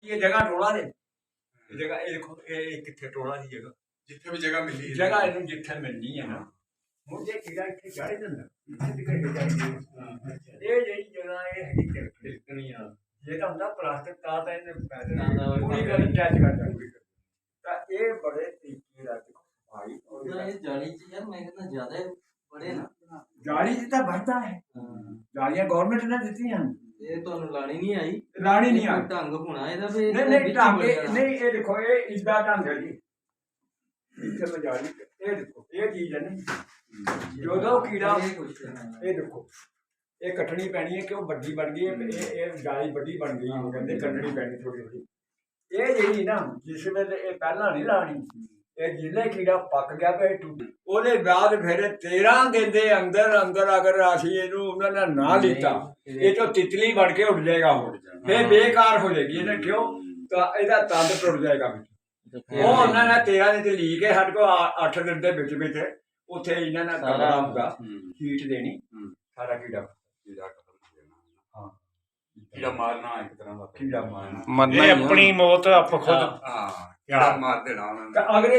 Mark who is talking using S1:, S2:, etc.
S1: ये जगह टोला ने जगह ये देखो ये किथे टोला दी जगह
S2: जिथे भी जगह मिली है
S1: जगह इन्हू जिथे मिलनी है ना मुझे कीड़ा इतने चाड़े दिंदा ये जेही जगह ये हैगी तिलकनी आ ये तो ਹੁੰਦਾ प्लास्टिक ता ता इन्हें पैसे पूरी गल टच कर जाएगी ता ये बड़े तरीके दा देखो भाई
S3: ਉਹਦਾ ਇਹ ਜਾਲੀ ਚ ਯਾਰ ਮੈਂ ਕਹਿੰਦਾ ਜ਼ਿਆਦਾ ਬੜੇ ਨਾ
S1: जाली दी तो बढ़ता है जालियां गवर्नमेंट ने दी हैं
S3: ਇਹ ਤੁਹਾਨੂੰ ਲਾਣੀ ਨਹੀਂ ਆਈ
S1: लानी नहीं आ
S3: ਕੋਈ ਢੰਗ ਹੋਣਾ ਇਹਦਾ ਵੀ
S1: नहीं नहीं ढंग नहीं ये देखो ये इसदा ढंग है जी इथे मैं जाली ये देखो ये चीज है ना जो कीड़ा
S3: ਇਹ ਕੁਛ
S1: ये देखो ये कटनी पैनी है कि वो बड्डी बन गई है ये जाली बड्डी बन गई है कहते कटनी पैनी थोड़ी थोड़ी ये जी ना जिस वेले ये पहला नहीं लानी ये जिले कीड़ा पक गया पे टूट ਉਹਦੇ ਬਾਅਦ ਫਿਰ 13 ਦਿਨ ਦੇ ਅੰਦਰ ਅੰਦਰ ਅਗਰ ਅਸੀਂ ਇਹਨੂੰ ਉਹਨਾਂ ਨੇ ਨਾ ਲੀਤਾ ਇਹ ਤੋਂ ਤਿਤਲੀ ਬਣ ਕੇ ਉੱਡ ਜਾਏਗਾ ਹੁਣ ਫਿਰ ਬੇਕਾਰ ਹੋ ਜਾਏਗੀ ਇਹਨੇ ਕਿਉਂ ਤਾਂ ਇਹਦਾ ਤੰਦ ਟੁੱਟ ਜਾਏਗਾ ਉਹ ਉਹਨਾਂ ਨੇ 13 ਦਿਨ ਤੇ ਲੀ ਕੇ ਸਾਡੇ ਕੋਲ 8 ਦਿਨ ਦੇ ਵਿੱਚ ਵਿੱਚ ਉੱਥੇ ਇਹਨਾਂ ਨੇ ਕਮਰਾ ਹੁੰਦਾ ਹੀਟ ਦੇਣੀ ਸਾਰਾ ਕੀੜਾ
S2: कीड़ा खत्म हो जाना
S1: हाँ
S2: कीड़ा मारना एक तरह का
S1: कीड़ा मारना
S4: मरना
S5: ये
S4: ही है।
S5: अपनी मौत आप खुद
S2: हाँ कीड़ा मार देना उन्होंने
S1: ਤਾਂ ਅਗਲੇ